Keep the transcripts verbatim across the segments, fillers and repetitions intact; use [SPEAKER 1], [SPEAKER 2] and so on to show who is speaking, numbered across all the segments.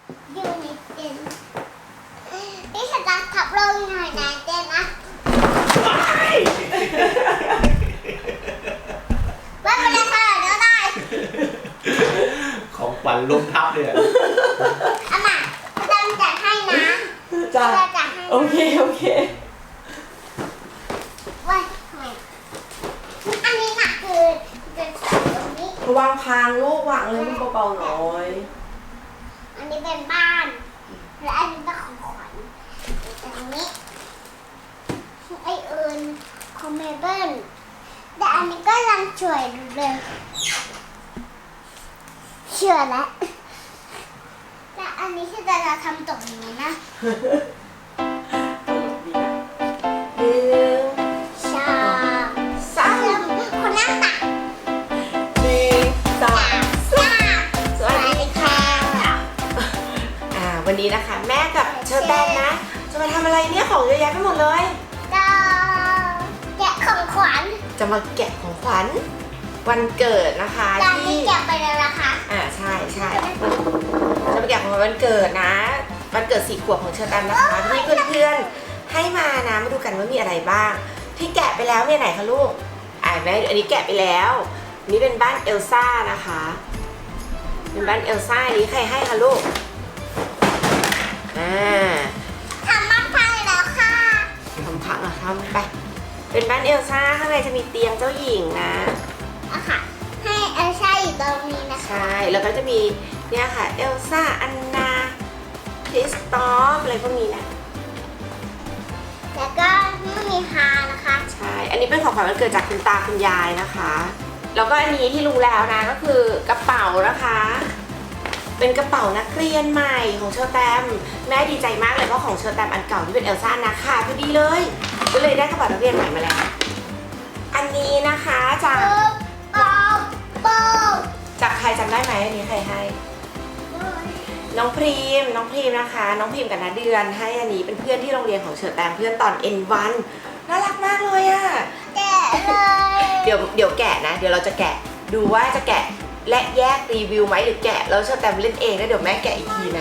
[SPEAKER 1] อยู่ในเต็นท์นี่ฉันจะขับลงหน่อยนะเต็นท์นะไม่เป็นไรค่ะเดี๋ยวได้
[SPEAKER 2] ของขวัญลมทับเลยอ่ะ
[SPEAKER 1] อามาจะจัดให้นะ
[SPEAKER 3] จ้า
[SPEAKER 1] จะจัดให้
[SPEAKER 3] โอเคโอเค
[SPEAKER 1] ว่าทำไมอันนี้น่ะคือจะใส่ตรงนี้
[SPEAKER 3] วางพางลูกวางเลยมันเบาๆหน่อย
[SPEAKER 1] อันนี้เป็นบ้านและอันนี้เป็นของขวัญอันนี้ไอเอิญของเมเบิลแต่อันนี้ก็ยังช่วยดูเลยเชื่อแล้วแต่อันนี้ที่จะทำตรงนี้นะ
[SPEAKER 3] หนึ่ง
[SPEAKER 1] ชาม
[SPEAKER 3] สาม
[SPEAKER 1] เชื่อมคนหน้าตัก
[SPEAKER 3] หนึ่งสอง
[SPEAKER 1] สาม
[SPEAKER 3] สวัสดีค่ะอ่าวันนี้นะคะแม่กับเชอร์แตมนะจะมาทำอะไรเนี่ยของเยอะแยะไปหมดเลย
[SPEAKER 1] ก็แกะของขวัญ
[SPEAKER 3] จะมาแกะของขวัญวันเกิดนะคะ
[SPEAKER 1] จานนี้
[SPEAKER 3] ที่
[SPEAKER 1] แกะไปแล้วนะคะ
[SPEAKER 3] อ่าใช่ใช่จะมาแกะของขวัญวันเกิดนะวันเกิดสี่ขวบของเชอร์แตมนะคะที่เพื่อนๆให้มานะมาดูกันว่ามีอะไรบ้าง ที่แกะไปแล้วมีไหนคะลูกอ่าแม่อันนี้แกะไปแล้วอันนี้เป็นบ้านเอลซ่านะคะเป็นบ้านเอลซ่าอันนี้ใครให้คะลูกอ่า
[SPEAKER 1] ทำบ้านพังแล้วค่ะ
[SPEAKER 3] ทำพังอะทำไปเป็นบ้านเอลซ่าข้างในจะมีเตียงเจ้าหญิงนะ
[SPEAKER 1] อะค่ะ ให้เอลซ่าอยู่ตรงนี้นะคะ
[SPEAKER 3] ใช่แล้วก็จะมีเนี่ยค่ะเอลซ่าอันนาคริสตอฟอะไรพวกนี้นะ
[SPEAKER 1] แล้วก็ไม่มีฮานะคะ
[SPEAKER 3] ใช่ อันนี้เป็นของขวัญวันเกิดจากคุณตาคุณยายนะคะ แล้วก็อันนี้ที่รู้แล้วนะก็คือกระเป๋านะคะ เป็นกระเป๋านักเรียนใหม่ของเชอร์แตมแม่ดีใจมากเลยเพราะของเชอร์แตมอันเก่าที่เป็นเอลซ่านะค่ะพอดีเลย ก็เลยได้กระเป๋านักเรียนใหม่มาแล้ว อันนี้นะคะจาก
[SPEAKER 1] ปุ๊บป๊อบป๊อบ
[SPEAKER 3] จากใครจำได้ไหมอันนี้ใครให้ น้องพรีม น้องพรีมนะคะ น้องพรีมกับนาเดือนให้อันนี้เป็นเพื่อนที่โรงเรียนของเชอร์แตมเพื่อนตอน เอ็น วัน น่ารักมากเลยอะ
[SPEAKER 1] แกะเลย
[SPEAKER 3] เดี๋ยวเดี๋ยวแกะนะ เดี๋ยวเราจะแกะดูว่าจะแกะและแยกรีวิวไหมหรือแกะแล้วเชอร์แตมเล่นเองแล้วเดี๋ยวแม่แกะอีกทีนะ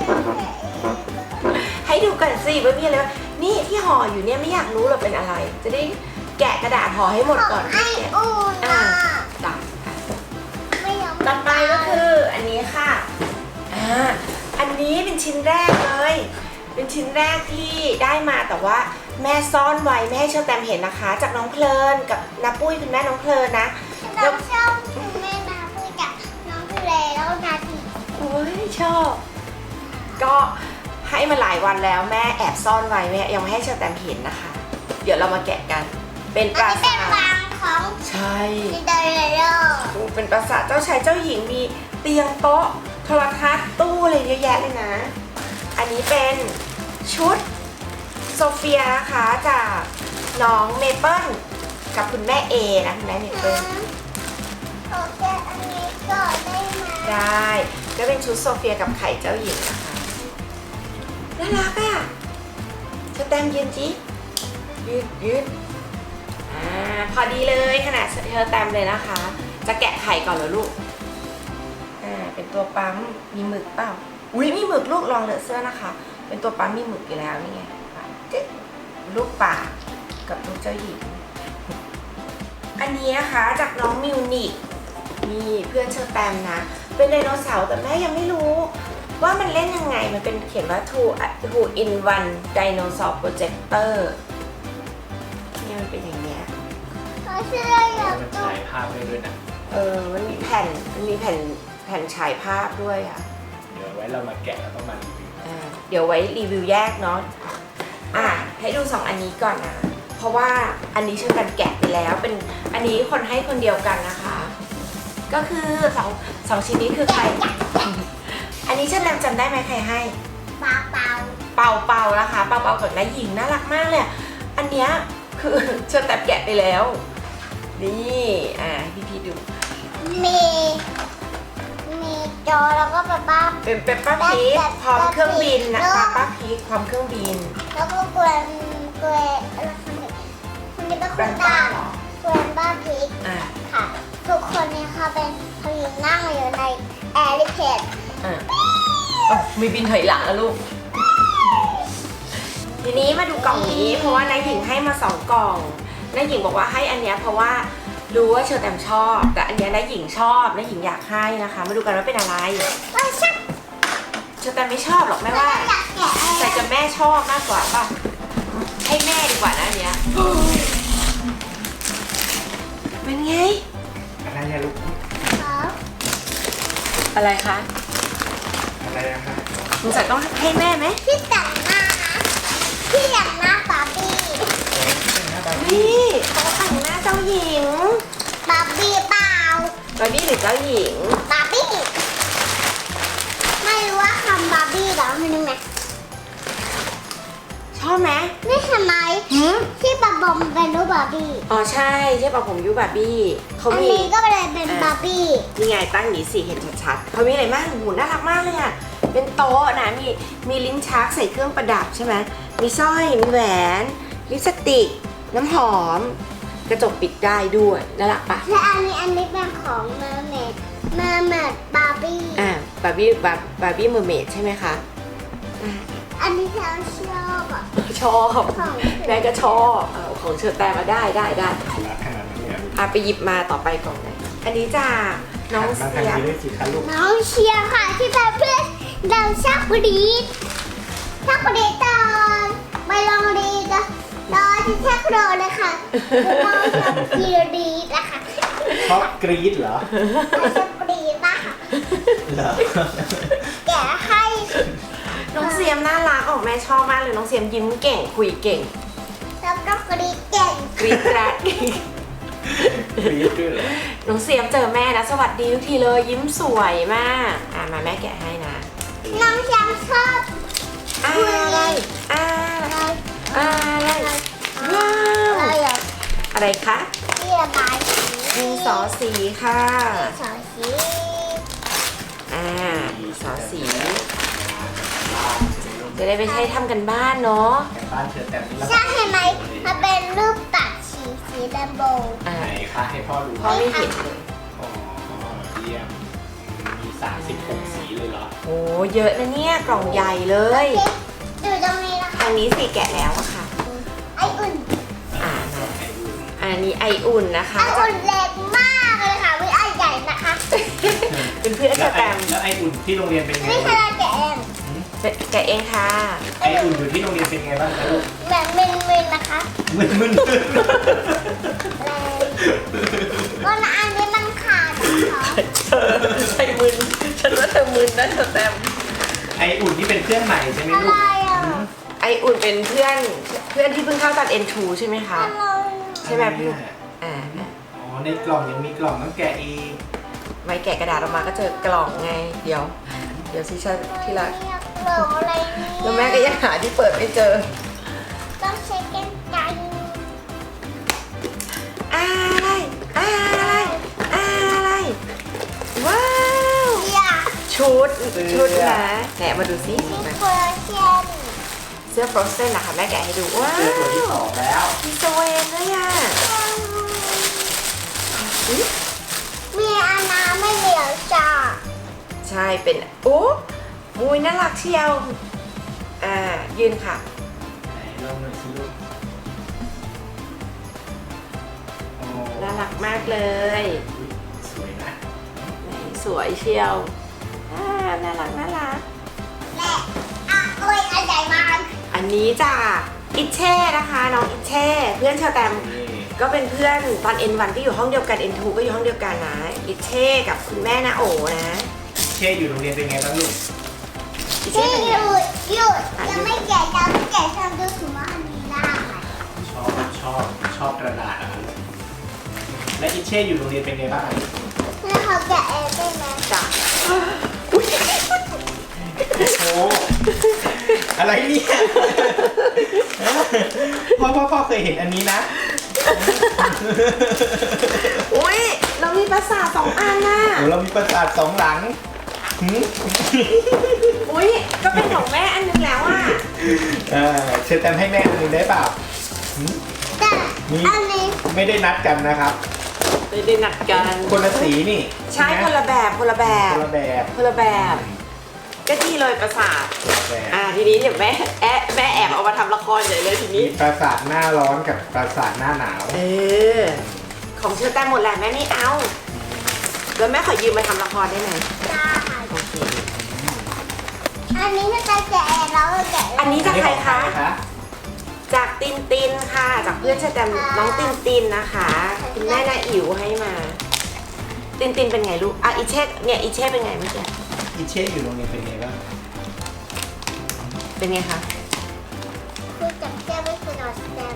[SPEAKER 3] ให้ดูกันสิว่ามีอะไรบ้างนี่ที่ห่ออยู่เนี่ยไม่อยากรู้หรอกเป็นอะไร จะได้แกะกระดาษห่อให้หมดก่อน
[SPEAKER 1] ไอ
[SPEAKER 3] ที่แกะ
[SPEAKER 1] อูน่ะ
[SPEAKER 3] จ้ะ
[SPEAKER 1] ไม่ยอม
[SPEAKER 3] ต่อไปก็คืออันนี้ค่ะ อ่า อันนี้เป็นชิ้นแรกเลย เป็นชิ้นแรกที่ได้มาแต่ว่าแม่ซ่อนไว้ไม่ให้เชอร์แตมเห็นนะคะ จากน้องเพลินกับนาปุ้ยคุณแม่น้องเพลินนะ
[SPEAKER 1] เราชอบคุณแม่มาพูดกับน้องทะเลแล้วนาที
[SPEAKER 3] โอ้ยชอบ ก็ให้มาหลายวันแล้วแม่แอบซ่อนไว้แม่ยังไม่ให้เชอร์แตมเห็นนะคะ เดี๋ยวเรามาแกะกัน เป็นป
[SPEAKER 1] อัน
[SPEAKER 3] รา
[SPEAKER 1] นี้เป็น
[SPEAKER 3] สาท
[SPEAKER 1] วางของ
[SPEAKER 3] ใช่
[SPEAKER 1] ซินเดอเรลล่า
[SPEAKER 3] เป็นปราสาทเจ้าชายเจ้าหญิงมีเตียงโต๊ะโทรทัศน์ตู้อะไรเยอะแยะเลยนะ อันนี้เป็นชุดโซเฟียนะคะจากน้องเมเปิลกับคุณแม่เอนะคุณแม่เมเปิล
[SPEAKER 1] ขอแกะอันนี้ก่อนได้ไหม
[SPEAKER 3] ได้ก็เป็นชุดโซเฟียกับไข่เจ้าหญิงนะคะน่ารักอ่ะเชอร์แตมยืนจิยืดยืดอ่าพอดีเลยขนาดเชอร์แตมเลยนะคะ จะแกะไข่ก่อนเหรอลูกอ่าเป็นตัวปั๊มมีหมึกเปล่าอุ้ยมีหมึกลูกลองเลอะเสื้อนะคะ เป็นตัวปั๊มมีหมึกอยู่แล้วนี่ไงจึ๊กลูกป่ากับลูกเจ้าหญิงอันนี้นะคะจากน้องมิวนิกนี่เพื่อนเชอร์แตมนะ เป็นไดโนเสาร์แต่แม่ยังไม่รู้ว่ามันเล่นยังไงมันเป็นเขียนว่า two two in one dinosaur projector นี่มันเป็นอย่างเนี้ย
[SPEAKER 1] ขอเสื้ออยาก
[SPEAKER 2] มัน
[SPEAKER 1] ดู
[SPEAKER 2] ฉายภาพให้ด้วยนะ
[SPEAKER 3] เออมันมีแผ่นมันมีแผ่นแผ่นฉายภาพด้วยอ่ะ
[SPEAKER 2] เดี๋ยวไว้เรามาแกะแล้วต้องมารีวิว
[SPEAKER 3] อ่าเดี๋ยวไว้รีวิวแยกเนาะอ่ะให้ดูสองอันนี้ก่อนนะเพราะว่าอันนี้เชื่อกันแกะไปแล้วเป็นอันนี้คนให้คนเดียวกันนะคะ ก็คือสองสองชิ้นนี้คือใคร อันนี้เชื่อแตมจำได้ไหมใครให้
[SPEAKER 1] ปลาเปล่า
[SPEAKER 3] เป่าเป่านะคะ เป่าเป่ากับน้าหญิงน่ารักมากเลยอันเนี้ยคือเชื่อแตมแกะไปแล้วนี่อ่าพี่พี่ดู
[SPEAKER 1] มีมีจอแล้วก็ปลาบ้า
[SPEAKER 3] เป็นเปปป้าพีคพร้อมเครื่องบินนะคะป้าพีคพร้อมเครื่องบิน
[SPEAKER 1] แล้วก็เกวนเกวนอะไรคนนี้คนนี้เป็นคนดังเกวนบ้าพีก
[SPEAKER 3] อ่า
[SPEAKER 1] ค่ะ ทุกคนเนี่ยค่ะเป็นเขาอยู่นั่งอยู่ในแอร์ลิเพด
[SPEAKER 3] อ่าอ๋อมีบินถอยหลังแล้วลูก ทีนี้มาดูกล่องนี้เพราะว่านายหญิงให้มาสองกล่องนายหญิงบอกว่าให้อันเนี้ยเพราะว่ารู้ว่าเชอแตมชอบ แต่อันเนี้ยนายหญิงชอบนายหญิงอยากให้นะคะ มาดูกันว่าเป็นอะไร
[SPEAKER 1] ไม่ใช่
[SPEAKER 3] เชอแตมไม่ชอบหรอกแม่ว่า
[SPEAKER 1] อยากแกะอะไร
[SPEAKER 3] แต่จะแม่ชอบมากกว่าป่ะให้แม่ดีกว่านะอันเนี้ยเป็นไง
[SPEAKER 2] อะไรเนี่ยลูก
[SPEAKER 1] ครับ
[SPEAKER 3] อะไรคะ
[SPEAKER 2] อะไรนะคะ
[SPEAKER 3] สงสัยต้องให้แม่ไหม
[SPEAKER 1] พี่แต่งหน้านะพี่อยากหน้าบาร์บี้
[SPEAKER 3] นี่เขาแต่งหน้าเจ้าหญิง
[SPEAKER 1] บาร์บี้เปล่า
[SPEAKER 3] บาร์บี้หรือเจ้าหญิง
[SPEAKER 1] บาร์บี้ไม่รู้ว่าคำบาร์บี้แล้วมันยังไง
[SPEAKER 3] ชอบไหม
[SPEAKER 1] นี่ทำไม
[SPEAKER 3] หืม
[SPEAKER 1] ที่บาบอมเป็นรูปบาร์บี้
[SPEAKER 3] อ๋อใช่ใช่ป่ะผมยูบาร์บี้เขา
[SPEAKER 1] อัน
[SPEAKER 3] มี
[SPEAKER 1] นี้ก็เลยเป็นบาร์บี้
[SPEAKER 3] นี่ไงตั้งอย่างนี้สิเห็นชัดๆเขามีอะไรบ้างหูน่ารักมากเลยอ่ะ เป็นโต๊ะนะ มีมีลิ้นชักใส่เครื่องประดับใช่ไหม มีสร้อย มีแหวน ลิปสติก น้ำหอม กระจกปิดได้ด้วย น่ารักปะ
[SPEAKER 1] และอันนี้อันนี้เป็นของเมอร์เมดเมอร์เมดบาร์บี้
[SPEAKER 3] อ่าบาร์บี้บาร์บาร์บี้เมอร์เมดใช่ไหมคะอ่า
[SPEAKER 1] อันนี้ฉันชอบอ่ะ
[SPEAKER 3] ชอบ
[SPEAKER 1] ของ
[SPEAKER 3] แม่ก็ชอบเออของเชิญแต่มาได้ได้ได้
[SPEAKER 2] รักขนาดนี้เนี่ย
[SPEAKER 3] อ่ะไปหยิบมาต่อไปกล่องไหนอันนี้จ้าน้อง
[SPEAKER 2] มา
[SPEAKER 3] เสี
[SPEAKER 2] ทาง
[SPEAKER 3] ย
[SPEAKER 2] นี้ด้วยสิคะลูก
[SPEAKER 1] น้องเชียร์ค่ะที่เป็นเพื่อนเราชอบกรีดชอบกรีดตอนไปลองรีดนะตอนที่แท็กโดนเลยค่ะน้องชอบกรีดนะคะ
[SPEAKER 2] ชอบกรี๊ดเหรอ
[SPEAKER 1] เราชอบกรีดนะคะ
[SPEAKER 2] เหรอ
[SPEAKER 1] แกะให้
[SPEAKER 3] น้องเสียมน่ารักออกแม่ชอบมากเลยน้องเสียมยิ้มเก่งคุยเก่ง
[SPEAKER 1] แล้วก็กรีดเก่ง
[SPEAKER 3] กรี๊ดกราด
[SPEAKER 2] กรี๊ดด้วยเหรอ
[SPEAKER 3] น้องเสียมเจอแม่นะสวัสดีทุกทีเลยยิ้มสวยมากอ่ะมาแม่แกะให้นะ
[SPEAKER 1] น้องชอบชอบ
[SPEAKER 3] อะไรอะไรอะไรว้าว
[SPEAKER 1] อะไรอ่ะ
[SPEAKER 3] อะไรคะ
[SPEAKER 1] ที่ระบายสี
[SPEAKER 3] ดินสอสีค่ะ
[SPEAKER 1] ดินสอสี
[SPEAKER 3] อ่าดินสอสี จะได้ไปใช้ทำกันบ้านเนาะ
[SPEAKER 2] แต่บ้านเธอแต่นี่ละ
[SPEAKER 1] ใช่เห็นไหมมันเป็นรูปตัดสีสีแรมโบ
[SPEAKER 3] อ่า
[SPEAKER 2] ไหนคะให้พ่อดู
[SPEAKER 3] พ่อไม่เห็นเลย
[SPEAKER 2] อ๋อเยี่ยมมีสามสิบหกสีเลยเหรอ
[SPEAKER 3] โอ้เยอะนะเนี่ยกล่องใหญ่เลย
[SPEAKER 1] ดูตรงนี้นะคะ
[SPEAKER 3] ทางนี้สีแกะแล้วอะค่ะ
[SPEAKER 1] ไออุ่น
[SPEAKER 3] อ่า
[SPEAKER 2] ให้ดู
[SPEAKER 3] อันนี้ไออุ่นนะคะ
[SPEAKER 1] ไออุ่นเล็กมากเลยค่ะไม่ไอใหญ่นะคะ
[SPEAKER 3] เป็นเพื่อน
[SPEAKER 2] แล้
[SPEAKER 3] จะ
[SPEAKER 2] วไอ
[SPEAKER 3] แตม
[SPEAKER 2] แล้วไออุ่นที่โรงเรียนเป็นไง
[SPEAKER 1] นี่
[SPEAKER 2] ลู
[SPEAKER 1] คื
[SPEAKER 2] ก
[SPEAKER 1] อเราแกะเอง
[SPEAKER 3] แกะเองค่ะ
[SPEAKER 2] ไออุ่นอยู่ที่โรงเรียนเป็นไงบ้างคะลูก
[SPEAKER 1] แบบมึนๆนะคะ
[SPEAKER 2] มึนมึน
[SPEAKER 1] เลยก็นะอันนี้มันขาดนะคะ
[SPEAKER 3] เธอใช่มึนฉันว่าเธอมึนนะเธอแตม
[SPEAKER 2] ไออุ่นที่เป็นเพื่อนใหม่ใช่ไหม
[SPEAKER 1] อะ
[SPEAKER 2] ลู
[SPEAKER 1] ไร
[SPEAKER 2] ก
[SPEAKER 1] อ่ะ
[SPEAKER 3] ไออุ่นเป็นเพื่อนเพื่อนที่เพิ่งเข้าตอน เอ็น ทู ใช่ไหมคะ
[SPEAKER 1] อะไร
[SPEAKER 3] ใช่ไหมพี่ อ่า
[SPEAKER 2] อ๋อในกล่องยังมีกล่องต้องแกะอีก
[SPEAKER 3] ไว้แกะกระดาษออกมาก็เจอกล่องไง เดี๋ยว เดี๋ยวซิชาที่รัก
[SPEAKER 1] อยากเหลืออะไรเนี่ย
[SPEAKER 3] แล้วแม่ก็ยังหาที่เปิดไม่เจอ
[SPEAKER 1] ต้องใช้กันไกร
[SPEAKER 3] อะไร อะไร อะไร ว้าว
[SPEAKER 1] อยาก
[SPEAKER 3] ชุด ชุดนะแหนมาดูซิ
[SPEAKER 1] ที่
[SPEAKER 3] มา
[SPEAKER 1] เฟอร์เจน
[SPEAKER 3] เสื้อฟรอสเซนนะคะแม่แกะให้ดู ว้า
[SPEAKER 2] เจอตัวที่
[SPEAKER 3] ว
[SPEAKER 2] สองแล้ว
[SPEAKER 3] มีสเวนด้วยอ่ะอุ๊ย
[SPEAKER 1] มีอานาไม่เหลียวจ้า
[SPEAKER 3] ใช่ เป็น โอ้มุยน่ารักเชียว อ่า ยืนค่ะ
[SPEAKER 2] ไหนลองหน่อยสิลูกโอ้
[SPEAKER 3] น่ารักมากเลย
[SPEAKER 2] สวยนะ
[SPEAKER 3] ไหนสวยเชียว อ่า น่ารักน่ารัก
[SPEAKER 1] และอ่ะโอ้ยอันใหญ่มาก
[SPEAKER 3] อันนี้จ้ะอิเช่นะคะ น้องอิเช่เพื่อนชาวแตม
[SPEAKER 2] นี่
[SPEAKER 3] ก็เป็นเพื่อนตอน เอ็น วัน ก็อยู่ห้องเดียวกัน เอ็น ทู ก็อยู่ห้องเดียวกันนะอิเช่กับคุณแม่นาโอนะ
[SPEAKER 2] เช่อยู่โรงเรียนเป็นไงบ้างลูก
[SPEAKER 3] อิเช่
[SPEAKER 1] ที่
[SPEAKER 3] เป็น
[SPEAKER 1] ห
[SPEAKER 3] ไง
[SPEAKER 1] ยุดหยุดยังไม่แกะจะไม่แกะทำดูถึงว่าอันนี้ได้
[SPEAKER 2] ชอบชอบชอบกระดาษอะครับและอิเช่อยู่โรงเรียนเป็นไงบ้างอะ
[SPEAKER 1] แล้วเขาแกะเองได้ไหม
[SPEAKER 3] จ้ะ
[SPEAKER 2] โอ้อะไรเนี่ยพ่อพ่อพ่อเคยเห็นอันนี้นะ
[SPEAKER 3] อุ้ยเรามีภาษาทสองอันน่ะ
[SPEAKER 2] โอ้เรามีประสาทสองหลังหืม
[SPEAKER 3] อุ้ยก็เป็นของแม่อันนึงแล้วอ่ะ
[SPEAKER 2] เออเชิญแตมให้แม่อันหนึงได้เปล่าหืม
[SPEAKER 1] แต่
[SPEAKER 2] นี่
[SPEAKER 1] อันนี้
[SPEAKER 2] ไม่ได้นัดกันนะครับ
[SPEAKER 3] ไม่ได้หนักกัน
[SPEAKER 2] คนละสีนี่
[SPEAKER 3] ใช่คนละแบบคนละแบ
[SPEAKER 2] ค
[SPEAKER 3] บ
[SPEAKER 2] นละแบบ
[SPEAKER 3] คนละแบบก็ดีเลยประสาท
[SPEAKER 2] แต่
[SPEAKER 3] อ่าทีนี้เดี๋ยวแม่แอะแม่แอบเอามาทำละครใหญ่เลยที
[SPEAKER 2] มี
[SPEAKER 3] นี้
[SPEAKER 2] ปราสาทหน้าร้อนกับปราสาทหน้าหนาว
[SPEAKER 3] เออ ของเชอแตมหมดแหละแม่ไม่เอาแล้วแม่ขอยืมมาทำละครได้ไหม
[SPEAKER 1] ได้
[SPEAKER 3] โอเค
[SPEAKER 1] อันนี้ถ้าจะแกะแล้วแกะ
[SPEAKER 3] อันนี้จากใครคะ
[SPEAKER 2] อันนี้ของใครคะ
[SPEAKER 3] จากตินตินค่ะ จากเพื่อนเชอแตมน้องตินตินนะคะคุณแม่นาอิ๋วให้มา ตินตินเป็นไงลูกอ่ะอีเช่เนี่ยอีเช่เป็นไงเมื่อกี้
[SPEAKER 2] อิเช่อยู่โรงเรียนเป็นไงบ้าง
[SPEAKER 3] เป็นไงคะ
[SPEAKER 1] คือจับแก้วไม่คือนอนแก้ม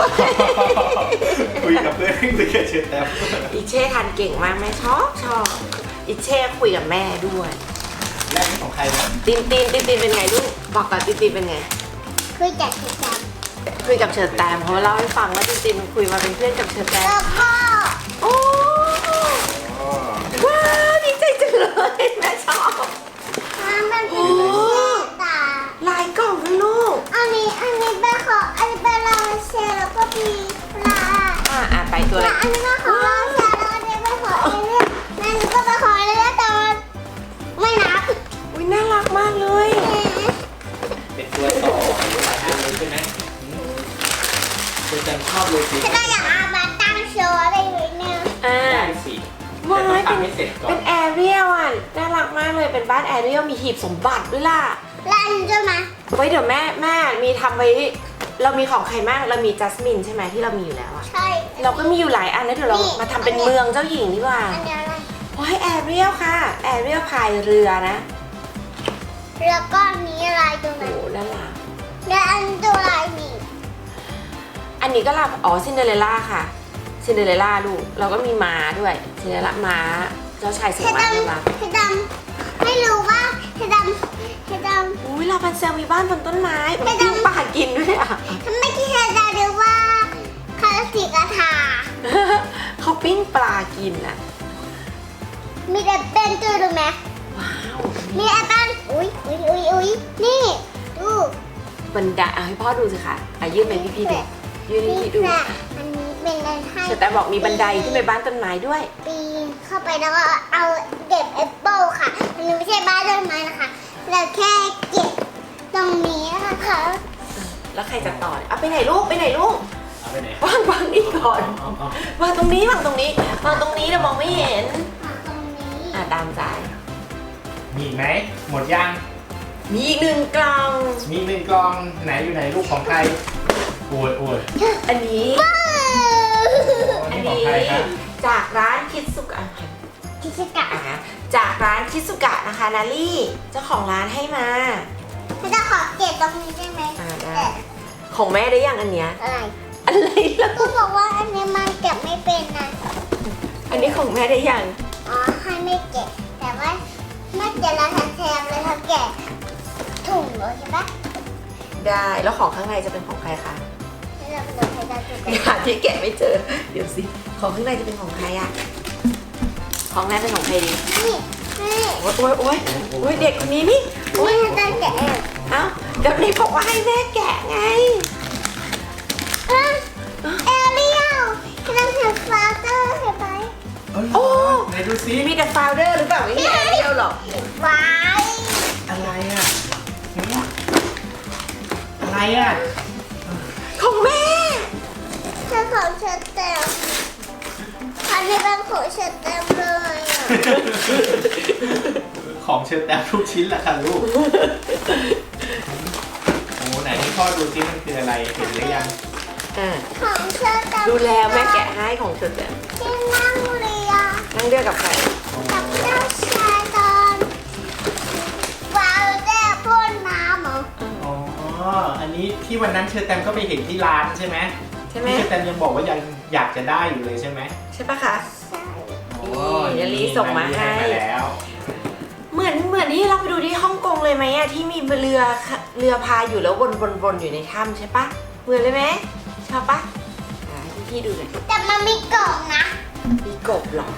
[SPEAKER 2] คุยกับเพื่อนคุยกับเชอแตม
[SPEAKER 3] อีเช่ทานเก่งมากแม่ชอบชอบอีเช่คุยกับแม่ด้วย
[SPEAKER 2] และอันนี้ของใครนะ
[SPEAKER 3] ตินตินตินตินเป็นไงลูกบอกกับตินตินเป็นไง
[SPEAKER 1] คือจับคือจับ
[SPEAKER 3] คุยกับเชอแตมเขาเล่าให้ฟังว่าตินตินคุยมาเป็นเพื่อนกับเชอแตม
[SPEAKER 1] แล้วก็
[SPEAKER 3] โอ้
[SPEAKER 2] อ๋อเป็น
[SPEAKER 3] ว้าวดีใจจังเลยแม่ชอบ
[SPEAKER 1] มันเป็นสีตา
[SPEAKER 3] ลายกล่องด้วยลูก
[SPEAKER 1] อันนี้อันนี้เป็นของอันนี้เป็นลาเชลแล้วก็มีปลา
[SPEAKER 3] อ่าอ่าไปตัวอะไร
[SPEAKER 1] และอันนี้ก็ของลาเชลแล้วอันนี้เป็นของเอเลี่ยนอันนี้ก็เป็นของเอเลี่ยนแต่มันไม่นับ
[SPEAKER 3] อุ้ยน่ารักมากเลย
[SPEAKER 2] เป็นตัวต่อหรือหลายอันเลยใช่ไหมอืมเชอแตมชอบเลยสิ
[SPEAKER 1] ฉันก็อยากเอามาตั้งโชว์อะไรไว้เนี่ย
[SPEAKER 3] อ่า
[SPEAKER 2] ได้สิ
[SPEAKER 3] ว้า
[SPEAKER 2] แต่ต้อง
[SPEAKER 3] ยเป็น
[SPEAKER 2] ทำให้เสร็จก่อ
[SPEAKER 3] เป็น นแอเรียลอ่ะน่ารักมากเลยเป็นบ้านแอเรียลมีหีบสมบัติด้วยล่ะ
[SPEAKER 1] แล้วอันนี้จะมา
[SPEAKER 3] ไว้เดี๋ยวแม่แม่มีทำไว้เรามีของใครบ้างเรามีจัสมินใช่ไหมที่เรามีอยู่แล้วอะ
[SPEAKER 1] ใช่
[SPEAKER 3] เราก็มีอยู่หลายอันแล้วเดี๋ยวเรา
[SPEAKER 1] นี่
[SPEAKER 3] มาทำเป็นเมืองเจ้าหญิงดีกว่า
[SPEAKER 1] อันนี้อะไร
[SPEAKER 3] โอ้ยแอเรียลค่ะแอเรียลพายเรือนะ
[SPEAKER 1] แล้วก็อันนี้อะไรตรงไหน
[SPEAKER 3] โอ้ด้านหลัง
[SPEAKER 1] แล้วอันตัวอะไรนี่
[SPEAKER 3] อันนี้ก็รับอ๋อซินเดอเรลล่าค่ะซินเดอเรลล่าลูกเราก็มีม้าด้วยซินเดอเรลล่าม้าเจ้าชายสิง
[SPEAKER 1] เฮ
[SPEAKER 3] ห์ม้า
[SPEAKER 1] ด
[SPEAKER 3] เจ้าม้า
[SPEAKER 1] ำเฮดำไม่รู้ว่าเฮดำเฮดำ
[SPEAKER 3] อุ้ยลาพันเซลมีบ้านบนต้นไม้มันปิ้งปลากินด้วยอ่ะ
[SPEAKER 1] ทำไมที่เฮดำหรือว่าคาราสิกาถา
[SPEAKER 3] เขาปิ้งปลากินอ่ะ
[SPEAKER 1] มีแต่เป็นตัวดูไหม
[SPEAKER 3] ว้าว
[SPEAKER 1] มีไอ้บ้านอุ้ยอุ้ยอุ้ยอุ้ยนี่ดู
[SPEAKER 3] บันไดอ่ะให้พ่อดูสิค่ะอ่ะยื่นไปพี่พี่ๆดูยื่นให้
[SPEAKER 1] นี่
[SPEAKER 3] พี่ดู
[SPEAKER 1] ค่ะอันนี้เป็นอะไรให้
[SPEAKER 3] แต่บอกมีบันไดขึ้นไปบ้านต้นไม้ด้วย
[SPEAKER 1] ปีนเข้าไปแล้วก็เอาเก็บแอปเปิลค่ะอันนี้ไม่ใช่บ้านต้นไม้นะคะเราแค่เก็บตรงนี้นะคะ
[SPEAKER 3] แล้วใครจะต่อเอาไปไหนลูกไปไหนลูก
[SPEAKER 2] เอาไปไหน
[SPEAKER 3] วางวางนี่ก่อน
[SPEAKER 2] เอาเอา
[SPEAKER 3] วางตรงนี้วางตรงนี้วางตรงนี้เรามองไม่เห็น
[SPEAKER 1] ตรงนี้
[SPEAKER 3] อ่ะตามใจ
[SPEAKER 2] มีอีกไหมหมดยัง
[SPEAKER 3] มีอีกหนึ่งกล่อง
[SPEAKER 2] มีอีกหนึ่งกล่องไหนอยู่ไหนลูกของใครโอ้ยโอ้ย
[SPEAKER 3] อันนี้
[SPEAKER 1] ว้าว
[SPEAKER 2] อัน
[SPEAKER 3] อัน
[SPEAKER 2] นี้ของ
[SPEAKER 3] นี้
[SPEAKER 2] ใครครับ
[SPEAKER 3] จากร้านคิดสุกะ
[SPEAKER 1] ที่ชิกะ
[SPEAKER 3] อ่ะจากร้านคิดสุกะนะคะนาลี่เจ้าของร้านให้มา
[SPEAKER 1] พี่จะขอเก็บตรงนี้ได้ไหม
[SPEAKER 3] อ่าได้
[SPEAKER 1] แต่
[SPEAKER 3] ของแม่ได้ยังอันเนี้ย
[SPEAKER 1] อะไร
[SPEAKER 3] อะไรล่ะ
[SPEAKER 1] ก็บอกว่าอันนี้มันเก็บไม่เป็นนะ
[SPEAKER 3] อันนี้ของแม่ได้ยัง
[SPEAKER 1] อ๋อให้ไม่เก็บแต่ว่าไม่เก็บแล้วแทนเลยเขาแกะถุงเลยใช่ปะ
[SPEAKER 3] ได้แล้วของข้างในจะเป็นของใครคะ
[SPEAKER 1] ให้เราไปดูให้ได้ถูกกัน
[SPEAKER 3] หาที่แกะไม่เจอเดี๋ยวสิของข้างในจะเป็นของใครอะของแม่เป็นของใครดี
[SPEAKER 1] นี่นี่
[SPEAKER 3] โอ๊ยโอ๊ยโอ๊ยโอ๊ยเด็กคนนี้นี่โอ๊ย
[SPEAKER 1] นี่ให้ได้แกะเอง
[SPEAKER 3] เอ้าเดี๋ยวนี้บอกว่าให้แม่แกะไง
[SPEAKER 1] อ่ะเอเรียลที่เราเห็นฟลาเตอร์เห็นไหม
[SPEAKER 2] เอ้ย
[SPEAKER 3] โอ้
[SPEAKER 2] ไหนดูซิ
[SPEAKER 3] มีแต่โฟลเดอร์หรือเปล่าไม่มีแอเรียลหรอก
[SPEAKER 1] ไว้
[SPEAKER 2] อะไรอ่ะหืมอะไรอ่ะ
[SPEAKER 3] ของแม่
[SPEAKER 1] เธอของเชตเตมอันนี้เป็นของเชตเตมเลยอ่ะ
[SPEAKER 2] ของเชอแตมทุกชิ้นแหละค่ะลูกโอ้ไหนให้พ่อดูซิมันคืออะไรเห็นหรือยัง
[SPEAKER 3] อ่า
[SPEAKER 1] ของเชตเตม
[SPEAKER 3] ดูแลแม่แกะให้ของเธอแต่
[SPEAKER 1] ที่นั่งเรือ
[SPEAKER 3] นั่งเรือกับใคร
[SPEAKER 1] กับเจ้าชายตอนวาวแด้พ่นน้ำเหรอ
[SPEAKER 2] อ๋ออันนี้ที่วันนั้นเชอแตมก็ไปเห็นที่ร้านใช่ไหม
[SPEAKER 3] ใช่ไหม
[SPEAKER 2] ที่เชอแตมยังบอกว่ายังอยากจะได้อยู่เลยใช่ไหม
[SPEAKER 3] ใช่ปะคะ
[SPEAKER 1] ใช่
[SPEAKER 3] นี่ยาลีส่งมาให้
[SPEAKER 2] มาแล้ว
[SPEAKER 3] เหมือนเหมือนที่เราไปดูที่ฮ่องกงเลยไหมอะที่มีเรือเรือพายอยู่แล้ววนวนวนอยู่ในถ้ำใช่ปะเหมือนเลยไหมชอบปะอ่าให้พี่ดูหน่อย
[SPEAKER 1] แต่มันมีกล่องนะ
[SPEAKER 3] มีกบเหรอก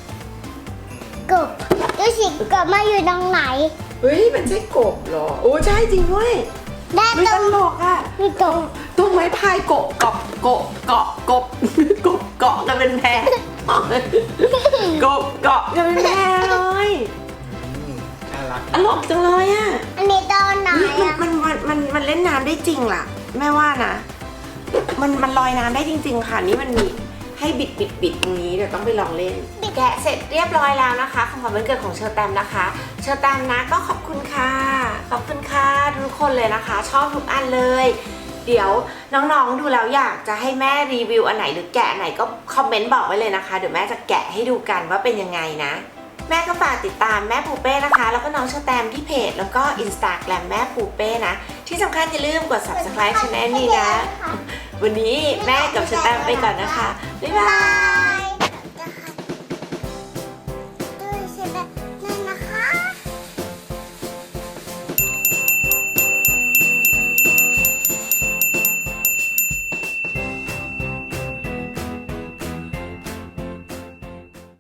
[SPEAKER 1] บดูสิกบมาอยู่ตรงไหน
[SPEAKER 3] เฮ้ยมันใช่กบเหรอโอ้ใช่จริงด้วย
[SPEAKER 1] ได้
[SPEAKER 3] ไม่
[SPEAKER 1] ต
[SPEAKER 3] ต
[SPEAKER 1] รง
[SPEAKER 3] ลกอะ
[SPEAKER 1] มีกบ
[SPEAKER 3] ตัวไม้พายกบกบกบเกาะกบ กบเกาะกันเป็นแพรกบเกาะกันเป็นแพรเลย
[SPEAKER 2] อืมน่ารัรัก
[SPEAKER 3] ตลกจังเลยอ่ะ
[SPEAKER 1] อันนี้โดนไหน
[SPEAKER 3] นี่
[SPEAKER 1] อ่ะ
[SPEAKER 3] มันมันมันมันเล่นน้ำได้จริงล่ะ แม่ว่านะ มันมันลอยน้ำได้จริง ๆ ค่ะ นี่มันมีให้บิดบิดบิดตรงนี้เดี๋ยวต้องไปลองเล่น แกะเสร็จเรียบร้อยแล้วนะคะของขวัญวันเกิดของเชอร์แตมนะคะ เชอร์แตมนะก็ขอบคุณค่ะ ขอบคุณค่ะทุกคนเลยนะคะ ชอบทุกอันเลย เดี๋ยวน้องๆดูแล้วอยากจะให้แม่รีวิวอันไหนหรือแกะอันไหนก็คอมเมนต์บอกไว้เลยนะคะ เดี๋ยวแม่จะแกะให้ดูกันว่าเป็นยังไงนะ แม่ก็ฝากติดตามแม่ปูเป้นะคะ แล้วก็น้องเชอร์แตมที่เพจแล้วก็อินสตาแกรมแม่ปูเป้นะ ที่สำคัญอย่าลืมกด ซับสไครบ์ ช่องนี้นะ วันนี้แม่กับเชอร์แตมไปก่อนนะคะ บ๊ายบาย